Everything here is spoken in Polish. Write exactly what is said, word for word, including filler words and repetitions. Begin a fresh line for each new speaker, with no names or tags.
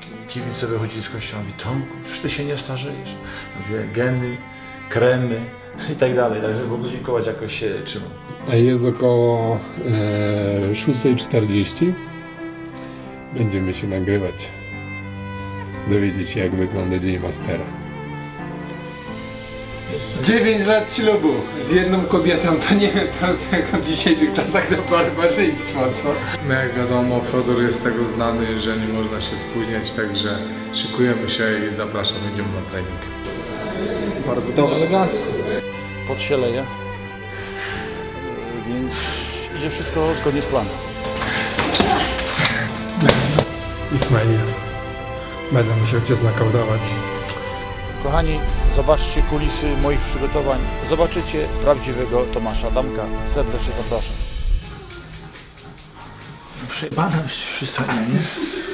kibice wychodzili z kościoła, mówi: Tomku, już ty się nie starzejesz. Mówię: geny, kremy i tak dalej, także Bogu dziękować, jakoś się trzymam.
A jest około e, szósta czterdzieści. Będziemy się nagrywać. Dowiedzieć się, jak wygląda dzień mastera. dziewięć lat ślubu z jedną kobietą, to nie wiem, to jak w dzisiejszych czasach to barbarzyństwo, co?
No jak wiadomo, Fodor jest z tego znany, że nie można się spóźniać, także szykujemy się i zapraszam, idziemy na trening.
Bardzo dobrze.
Elegancko.
Pot się leje, więc idzie wszystko zgodnie z planem.
Ismail. Będę musiał cię znakautować.
Kochani, zobaczcie kulisy moich przygotowań. Zobaczycie prawdziwego Tomasza Adamka. Serdecznie zapraszam.
Przejebane przystanie, nie?